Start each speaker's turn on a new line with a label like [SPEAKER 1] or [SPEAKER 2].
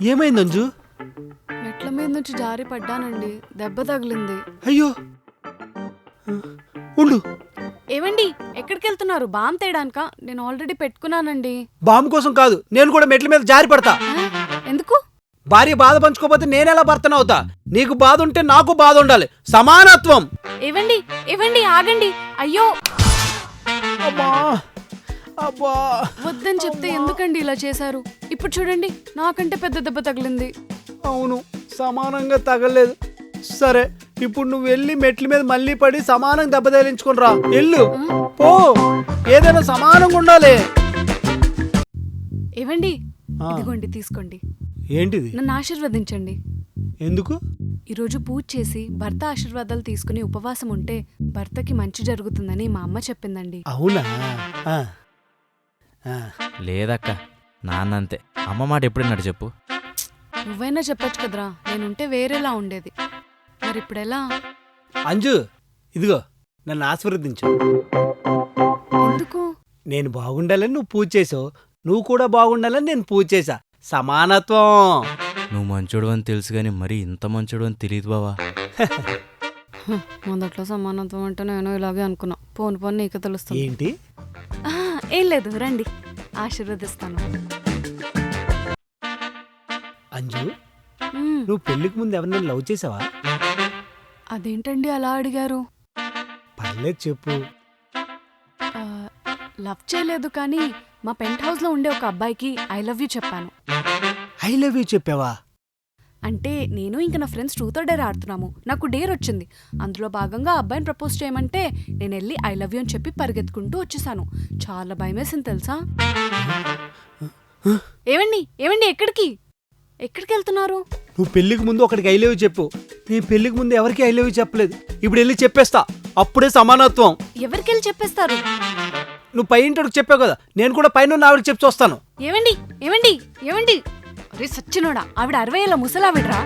[SPEAKER 1] ఏమైంది అంజు?
[SPEAKER 2] మెట్ల మీద నుంచి జారి పడ్డానండి, దెబ్బ తగిలింది.
[SPEAKER 1] అయ్యో ఉండు.
[SPEAKER 2] ఏవండి ఎక్కడికి వెళ్తున్నారు? బామ్ తేయడానిక? నేను ఆల్రెడీ పెట్టుకున్నానండి.
[SPEAKER 1] బాంబు కోసం కాదు, నేను కూడా మెట్ల మీద జారి పడతా.
[SPEAKER 2] ఎందుకు?
[SPEAKER 1] భార్య బాధ పంచుకోపోతే నేనెలా భర్తనవుతా? నీకు బాధ ఉంటే నాకు బాధ ఉండాలి, సమానత్వం.
[SPEAKER 2] ఏవండి ఏవండి ఆగండి. అయ్యో
[SPEAKER 1] అమ్మా అబ్బా,
[SPEAKER 2] వద్దని చెప్తే ఎందుకండి ఇలా చేశారు? ఇప్పుడు చూడండి, నాకంటే పెద్ద దెబ్బ తగిలింది.
[SPEAKER 1] అవును, సమానంగా తగలేదు. సరే, ఇప్పుడు నువ్వు వెళ్ళి మెట్ల మీద మళ్ళీ పడి సమానంగా దెబ్బ తగిలించుకుని రా. ఎల్లు పో, ఏదైనా సమానంగా ఉండాలి.
[SPEAKER 2] ఏవండి ఇదిగోండి, తీసుకోండి.
[SPEAKER 1] ఏంటిది?
[SPEAKER 2] నన్ను ఆశీర్వదించండి.
[SPEAKER 1] ఎందుకు?
[SPEAKER 2] ఈరోజు పూజ చేసి భర్త ఆశీర్వాదాలు తీసుకుని ఉపవాసం ఉంటే భర్తకి మంచి జరుగుతుందని మా అమ్మ చెప్పిందండి.
[SPEAKER 1] అవునా?
[SPEAKER 3] లేదక్క, నాన్నంతే. అమ్మ మాట ఎప్పుడన్నాడు చెప్పు?
[SPEAKER 2] నువ్వైనా చెప్పొచ్చు కదరా, నేనుంటే వేరేలా ఉండేది. మరి ఇప్పుడెలా?
[SPEAKER 1] అంజు ఇదిగో, నన్ను ఆశీర్వదించు.
[SPEAKER 2] ఎందుకు?
[SPEAKER 1] నేను బాగుండాలని నువ్వు పూజ చేసావు, నువ్వు కూడా బాగుండాలని నేను పూజ చేశా. సమానత్వం.
[SPEAKER 3] నువ్వు మంచోడు అని తెలుసు గాని మరీ ఇంత మంచోడు అని తెలియదు బావా.
[SPEAKER 2] మొదట్లో సమానత్వం అంటే నేను ఇలాగే అనుకున్నా. పోను పోను నీకు తెలుస్తుంది.
[SPEAKER 1] ఏంటి?
[SPEAKER 2] ఏం లేదు, రండి ఆశీర్వదిస్తాను.
[SPEAKER 1] అంజు, నువ్వు పెళ్లికి ముందు ఎవరినైనా లవ్ చేసావా?
[SPEAKER 2] అదేంటండి అలా అడిగారు?
[SPEAKER 1] పర్లేదు చెప్పు.
[SPEAKER 2] లవ్ చేయలేదు, కానీ మా పెంట్ హౌస్ లో ఉండే ఒక అబ్బాయికి ఐ లవ్ యూ చెప్పాను.
[SPEAKER 1] ఐ లవ్ యూ చెప్పావా?
[SPEAKER 2] అంటే నేను ఇంకా నా ఫ్రెండ్స్ ట్రూత్ ఆర్ డేర్ ఆడుతున్నాము. నాకు డేర్ వచ్చింది. అందులో భాగంగా అబ్బాయిని ప్రపోజ్ చేయమంటే నేను వెళ్ళి ఐ లవ్ యూ అని చెప్పి పరిగెత్తుకుంటూ వచ్చేసాను. చాలా భయమేసింది తెలుసా? ఏవండి ఏవండి ఎక్కడికి వెళ్తున్నారు?
[SPEAKER 1] నువ్వు పెళ్లికి ముందు ఒకడికి ఐ లవ్ యూ చెప్పు. నీ పెళ్లికి ముందు ఎవరికి ఐ లవ్ యూ చెప్పలేదు. ఇప్పుడు వెళ్ళి చెప్పేస్తా, అప్పుడే సమానత్వం.
[SPEAKER 2] ఎవరికి వెళ్ళి చెప్పేస్తారు?
[SPEAKER 1] నువ్వు పై ఇంటికి చెప్పావు కదా, నేను కూడా పైన ఆవిడకి చెప్పి వస్తాను.
[SPEAKER 2] ఏవండి ఏవండి ఏవండి, అరే సచ్చినోడా, ఆవిడ 60 ఏళ్ళ ముసలావిడ్రా.